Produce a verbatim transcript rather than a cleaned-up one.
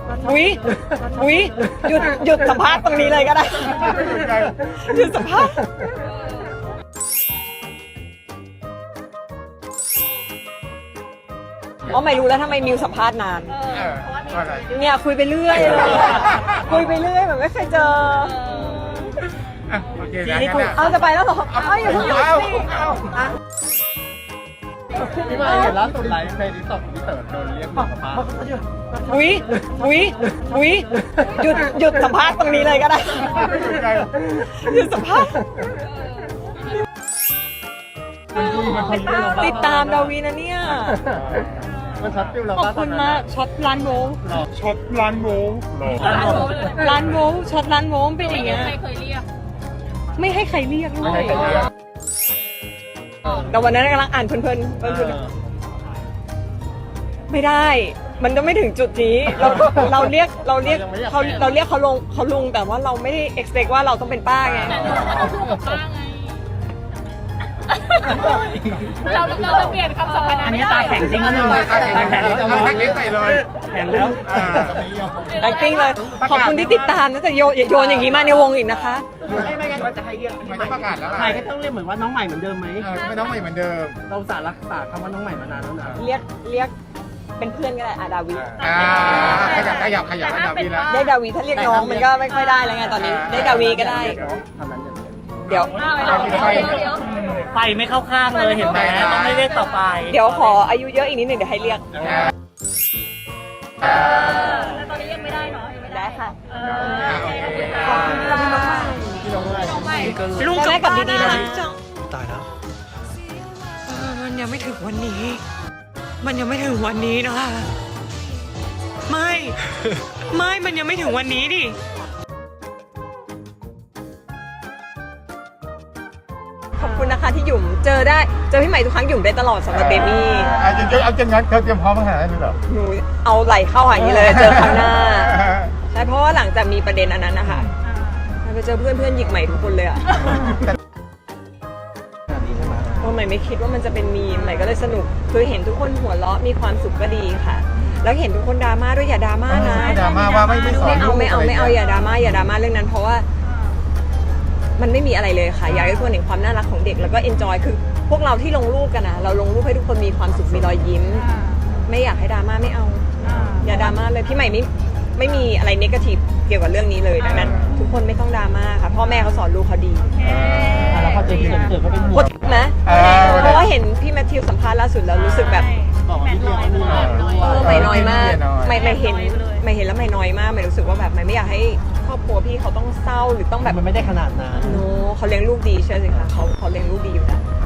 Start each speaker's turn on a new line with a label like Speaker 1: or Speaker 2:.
Speaker 1: อุ๊ยอุ๊ยหยุดหยุดสัมภาษณ์ตรงนี้เลยก็ได้หยุดสัมภาษณ์อ๋อไม่รู้แล้วทำไมมิวสัมภาษณ์นานเนี่ยคุยไปเรื่อยเลยคุยไปเรื่อยแบบไม่เคยเจอ
Speaker 2: โอเคนะ
Speaker 1: เอาจะไปแล้วเหรอเอาอย่าเพิ่งหยุดสิอ่ะ
Speaker 2: พี่มาเห็นล่าสุดไลฟ์ในดิสก์พี่เต๋อโดนเรียกสัมภาษณ์
Speaker 1: อุ๊ยอุ๊ยอุ๊ยหยุดหยุดสัมภาษณ์ตรงนี้เลยก็ได้หยุดสัมภาษณ์ติดตามดาวีนะเนี่ย
Speaker 2: มันช็อตฟิลเรา
Speaker 1: ขอบคุณมากช็อตร้านโว้
Speaker 2: ช็อตร้านโว้
Speaker 1: ร้านโว้ช็อตร้านโว้เป็นอย่างเงี้ย
Speaker 3: ใครเคยเรียก
Speaker 1: ไม่ให้ใครเรียกด้วยแต่วันนั้นกำลังอ่านเพลินๆเพลินๆไม่ได้มันจะไม่ถึงจุดนี้เราเราเรียกเราเรียกเขาเราเรียกเขาลงเขาลุงแต่ว่าเราไม่ได้ expect ว่าเราต้องเป็นป้าไง
Speaker 3: แต่เราก็ต้องพูดกับป้าไงเราเราจะเปลี่ยนคำสัมพันธ์อันนี้ตาแข็งจริงนะหนึ่ง
Speaker 2: ตาแข็งแข็งเราแข็งใส่เลย
Speaker 1: แข็งแล้ว acting เลยขอบคุณที่ติดตามนะแต่โยนโยนอย่างนี้มาในวงอีกนะคะ
Speaker 2: ไม่ไม่งั้นว่าจะให้เรียกไม่ต้องประกาศแล้วใครก็ต้องเรียกเหมือนว่าน้องใหม่เหมือนเดิมไหมไม่น้องใหม่เหมือนเดิมเราสารรักษาคำว่าน้องใหม่มานานแล้วนะ
Speaker 1: เรียกเรียกเป็นเพื่อนก็ได้อาดาวิ
Speaker 2: ขยับขยับขยับดาวีแล้ว
Speaker 1: ได้ดาวีถ้าเรียกน้องมันก็ไม่ค่อยได้แล้วไงตอนนี้ได้ดาวีก็ได้เดี๋ยว
Speaker 4: ไฟไม่เข้าข้างเลยเห็นไหมต้องไม่เรียกต่อไป
Speaker 1: เดี๋ยวขออายุเยอะอีกนิดหนึ่งเดี๋ยวให้เรียก
Speaker 3: แล้วตอนนี้ยังไม่ได้เนาะ
Speaker 1: ได้ค่ะ
Speaker 3: ขอบคุณค่ะ
Speaker 1: น้องใหม่ลูกแม่กับดีๆนะตายแล้วมันยังไม่ถึงวันนี้มันยังไม่ถึงวันนี้นะคะไม่ไม่มันยังไม่ถึงวันนี้ดิขอบคุณนะคะที่หยุ่มเจอได้เจอพี่ใหม่ทุกครั้งหยุ่มได้ตลอดสำหรับเบบี้
Speaker 2: เอาจริงเอาจริงงั้นเธอเตรียมพร้อมมาขนาดนั้นเลยเหรอ
Speaker 1: หนูเอาไหลเข้าหางนี้เลยเจอครั้งหน้าใช่เพราะว่าหลังจากมีประเด็นอันนั้นนะคะไปเจอเพื่อนเพื่อนหยิกใหม่ทุกคนเลยอ่ะเพราะใหม่ไม่คิดว่ามันจะเป็นมีมใหม่ก็เลยสนุกคือเห็นทุกคนหัวเราะมีความสุขก็ดีค่ะแล้วเห็นทุกคนดราม่าด้วยอย่าดราม่านะ
Speaker 2: ดราม่าว่าไม่ไม่
Speaker 1: เอาไม่เอาไม่เอาอย่าดราม่าอย่าดราม่าเรื่องนั้นเพราะว่ามันไม่มีอะไรเลยค่ะอยากให้ทุกคนเห็นความน่ารักของเด็กแล้วก็เอนจอยคือพวกเราที่ลงรูปกันนะเราลงรูปให้ทุกคนมีความสุขมีรอยยิ้มไม่อยากให้ดราม่าไม่เอาอย่าดราม่าเลยพี่ใหม่ไม่ไม่มีอะไรเนกาทีฟเกี่ยวกับเรื่องนี้เลยดังนั้นทุกคนไม่ต้องดราม่าค่ะพ่อแม่เขาสอนลูกเขาดี
Speaker 4: แล้วพอเจอพี่เต๋อก็เป็นห่วง
Speaker 1: นะเพราะว่าเห็นพี่แมทธิวสัมภาษณ์ล่าสุดแล้วรู้สึกแบบไม่น้อยมากไม่ไม่เห็นไม่เห็นแล้วไม่น้อยมากไม่รู้สึกว่าแบบไม่ไม่อยากให้ครอบครัวพี่เขาต้องเศร้าหรือต้องแบบ
Speaker 4: มันไม่ได้ขนาดนั้น
Speaker 1: โน้เขาเลี้ยงลูกดีใช่ไหมคะเขาเขาเลี้ยงลูกดีอยู่แล้ว